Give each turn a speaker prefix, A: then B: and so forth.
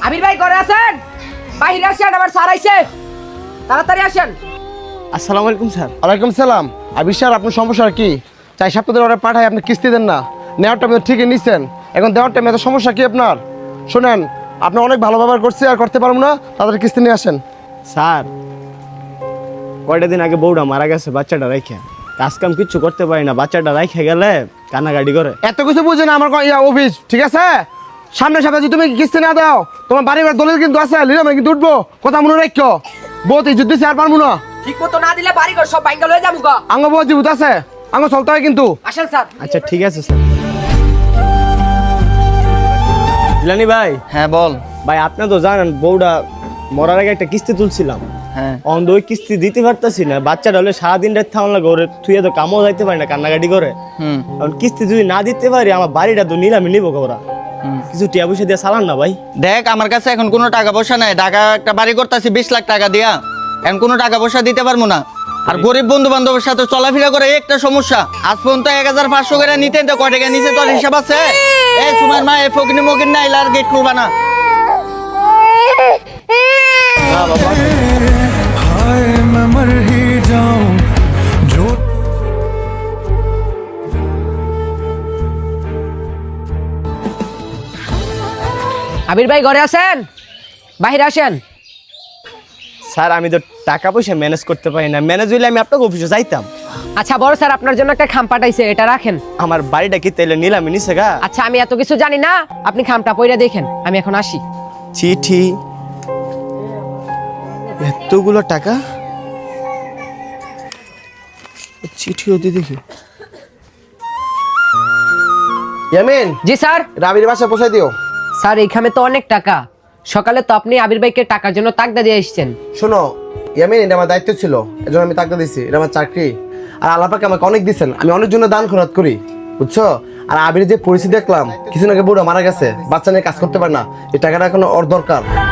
A: আবির ভাই ঘরে আছেন? বাইরে আসেন, আবার স্যার আইছে, তাড়াতাড়ি আসেন।
B: আসসালামু আলাইকুম স্যার।
C: ওয়ালাইকুম সালাম। আবির স্যার, আপনার সমস্যা কি? 4 সপ্তাহ ধরে অর্ডার পাঠাই, আপনি কিস্তি দেন না। নেওয়ার টাইমে ঠিকই নিচ্ছেন, এখন দেওয়ার টাইমে এত সমস্যা কি আপনার? শোনেন, আপনি অনেক ভালো ব্যবহার করছি, আর করতে পারবো না, তাদের কিস্তি নিয়ে আসেন।
B: স্যার কয়টা দিন আগে বউটা মারা গেছে বাচ্চাটা রাইখা, কাজ কাম কিচ্ছু করতে পারি না, বাচ্চাটা রাইখা গেলে কান্নাকাটি করে।
C: এত কিছু বুঝে না আমার অফিস, ঠিক আছে? সামনের সপ্তাহে যদি তুমি কিস্তি না দাও, তোমার বাড়ি ঘর দলিল কিন্তু আছে, লিরামে কিন্তু উঠবো, কথা মনে রাখো। বহুত ইজ্জত দিচ্ছে, আর পারবো না।
A: ঠিক মতো না দিলে বাড়ি ঘর সব ভাঙ্গা লয়ে যাবো গা।
C: আঙ্গ বহুত জীবিত আছে, আঙ্গ চলতে হয় কিন্তু।
A: আসেন স্যার।
B: আচ্ছা ঠিক আছে স্যার। জিলানি ভাই।
D: হ্যাঁ বল।
B: ভাই আপনি তো জানেন বউটা মরার আগে একটা কিস্তি তুলছিলাম,
D: হ্যাঁ
B: অন্ধ ওই কিস্তি দিতে পারতাছি না। বাচ্চাটা হলে সারাদিন রাত থামান লাগে, ওরে তুই তো কামও যাইতে পারি না, কান্নাকাটি করে। কারণ কিস্তি যদি না দিতে পারি, আমার বাড়িটা তো নিলামে নিবো ওরা। কিছু টিয়া পয়সা দিয়ে চালান না ভাই।
D: দেখ, আমার কাছে এখন কোনো টাকা পয়সা নাই, ঢাকা একটা বাড়ি করতেছি 20 লাখ টাকা দিয়া, এখন কোনো টাকা পয়সা দিতে পারবো না। আর গরিব বন্ধু বান্ধবের সাথে চলাফেরা করে একটা সমস্যা। আজ পর্যন্ত 1500 করে নিতেন, তো কয় টাকা নিচে তোর হিসাব আছে? এ তোমার মা এ ফকিনি মকিন না, আর গেট খুলবা না।
B: না বাবা,
E: हाय मैं मर ही जाऊं जो
A: আবির ভাই ঘরে আছেন? বাইরে আসেন।
B: স্যার আমি তো টাকা পয়সা ম্যানেজ করতে পারি না, ম্যানেজ হইলে আমি আপনাকে অফিসে যাইতাম।
A: আচ্ছা বড় স্যার, আপনার জন্য একটা খাম পাঠাইছে, এটা রাখেন।
B: আমার বাড়িটা কি তাইলে নিলামে নিছে গা?
A: আচ্ছা আমি এত কিছু জানি না, আপনি খামটা পইরা দেখেন, আমি এখন আসি।
B: চিঠি, এতগুলো টাকা, চিঠি ওদি দেখি।
C: ইয়ামিন,
A: জি স্যার।
C: রাবির বাসায় পৌঁছাই দিও।
A: স্যার এইখানে তো অনেক টাকা, সকালে তো আপনি আবির ভাইকে টাকার জন্য তাগদা দিয়ে এসেছেন।
C: শোনো ইয়ামিন, এটা আমার দায়িত্ব ছিল, এজন্য আমি টাকা দিছি, এটা আমার চাকরি। আর আল্লাহ পাক আমাকে অনেক দিচ্ছেন, আমি অনেক জন্য দান খরচ করি, বুঝছো? আর আবির যে পরিস্থিতি দেখলাম, কিছুদিন আগে বুড়ো মারা গেছে, বাচ্চা নিয়ে কাজ করতে পারে না, এই টাকাটা এখন ওর দরকার।